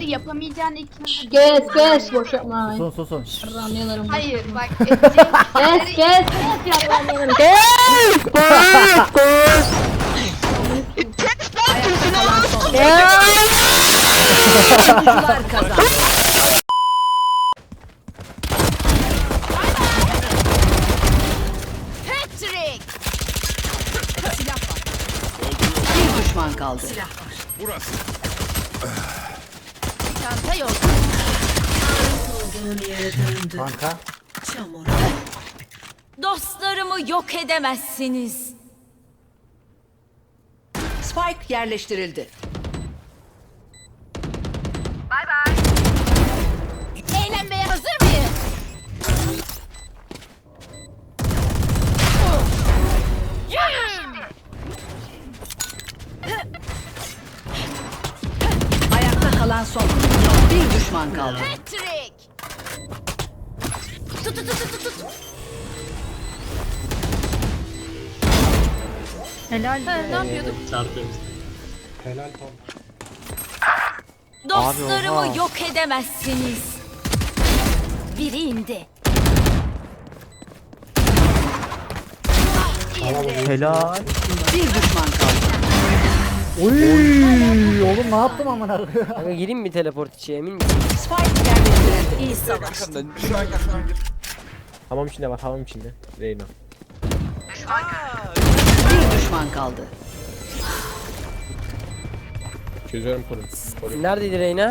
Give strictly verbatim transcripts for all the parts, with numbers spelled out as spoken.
yapamayacağın ilk... Kes kes boş yapma. Susun susun. Şşş. Ramyalarım. Hayır bak edeceğin... Kes kes kes ya ramyalarım. Kes. Oyuncular kazandı. Patrick! Silah var. Bir düşman kaldı. Silah var. Burası. Çanta yok. Kanka. Dostlarımı yok edemezsiniz. Spike yerleştirildi. Eğlenmeye hazır mıyız? Ayakta kalan son. Bir düşman kaldı. Patrick! Tut tut tut tut tut. Helal. Ha, ne yapıyorduk? Helal Tom. Dostlarımı yok edemezsiniz. Biri indi. Helal. Bir düşman kaldı. Oy oğlum ne yaptım amına koyayım? Kanka gireyim mi teleport içi emin misin? Spike yerleştirildi. İyi savaş. Hamam içinde var hamam içinde. Reyna. Bir düşman kaldı. Çözüyorum koru. Neredeydi Reyna?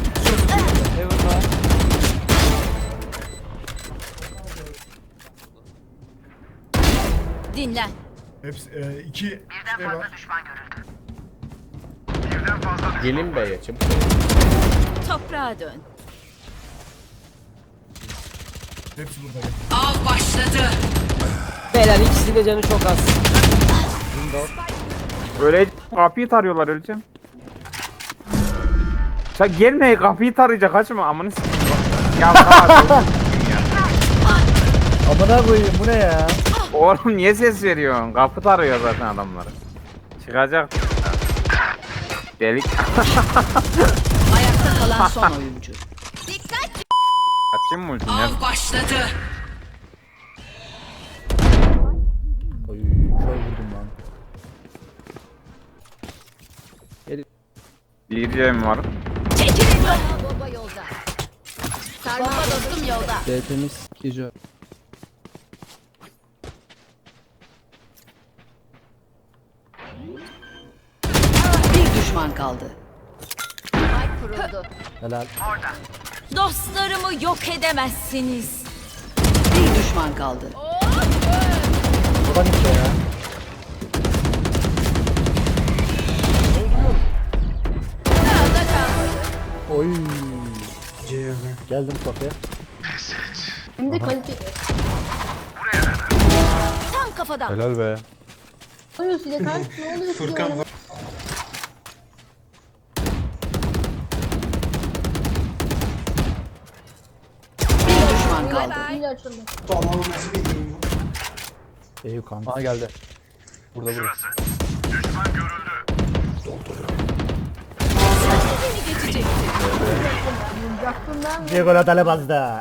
Dinlen. Hepsi e, iki şey var. Gelin B'ye çabuk. Toprağa dön. Hepsi burada. Av başladı. Beyler ikisi de canı çok az. Öyle kapıyı tarıyorlar öleceğim. Sen gelme kapıyı tarayacak kaçma amını s***. Ya tamam. Amına koyayım bu ne ya? Oğlum niye ses veriyorsun? Kapı tarıyor zaten adamları. Çıkacak. Delik. Ayakta kalan son oyuncu. Açayım mı ultini? Av başladı. Oy kör vurdum lan. Diyeceğim var. Çekilin yolda. Baba yolda. Sarma dostum yolda. D temiz gece. Bir düşman kaldı. Ay kuruldu. Helal. Dostlarımı yok edemezsiniz. Bir düşman kaldı. Buradan işte ya. Oy. Geldim kafaya. Hem de kalite. Tam kafadan. Helal be. Ne oluyor size kanka? Ne oluyor size? Furkan var. Bir düşman kaldı. İyi açıldı. Eyüp kanka. Aa geldi. Burada burada. Diego la tale bazda.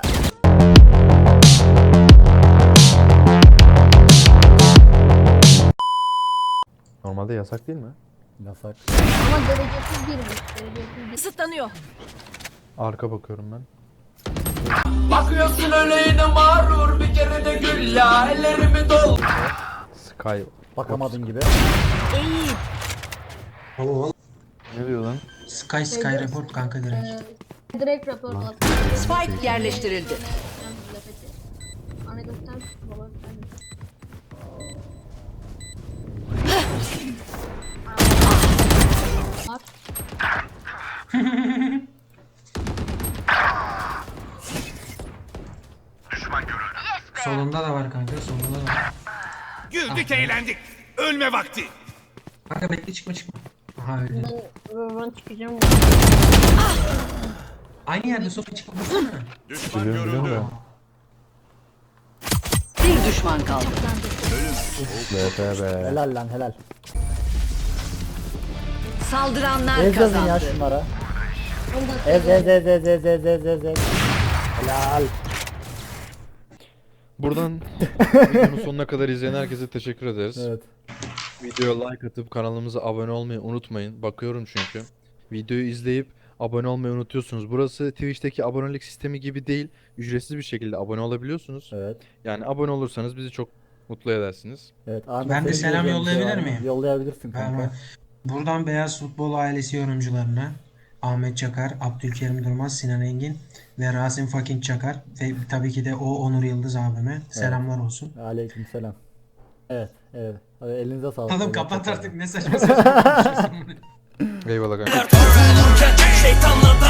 Normalde yasak değil mi? Yasak. Ama derecesiz girmiş. Derecesiz girmiş. Isıtlanıyor. Arka bakıyorum ben. Bakıyorsun öyle mağrur bir kere de gül ya ellerimi dol. Sky. Bakamadın gibi. Eğil. Ne diyor lan? Sky Sky report kanka direkt. Ee, direkt rapor al. Spike yerleştirildi. Ana göster. Baba göster. Solunda da var kanka solunda da var. Güldük eğlendik. Ölme vakti. Kanka bekle çıkma çıkma. Aha öldü. Ben, ben çıkacağım. Aynı yerde sopa çıkma vursana. Düşman Biliyorum biliyorum görüldü. da. Bir düşman kaldı. B P be. Helal lan helal. Saldıranlar Ez yazın ya kazandı. şunlara. on dakika. Ez ez ez ez ez ez ez ez ez. Helal. Buradan videonun sonuna kadar izleyen herkese teşekkür ederiz. Evet. Videoya like atıp kanalımıza abone olmayı unutmayın. Bakıyorum çünkü. Videoyu izleyip abone olmayı unutuyorsunuz. Burası Twitch'teki abonelik sistemi gibi değil. Ücretsiz bir şekilde abone olabiliyorsunuz. Evet. Yani abone olursanız bizi çok mutlu edersiniz. Evet. Ahmet, Ben de senin selam diyeceğin bir şey yollayabilir var mı? miyim? Yollayabilirsin kanka. Ben- Buradan Beyaz Futbol ailesi yorumcularına Ahmet Çakar, Abdülkerim Durmaz, Sinan Engin ve Rasim Fucking Çakar ve tabii ki de o Onur Yıldız abime selamlar olsun. Aleykümselam. Evet, evet. Hadi elinize sağlık. Oğlum Evet, kapat tekrardan. artık ne saçma saçma konuşuyorsun. Eyvallah kanka. Şeytanla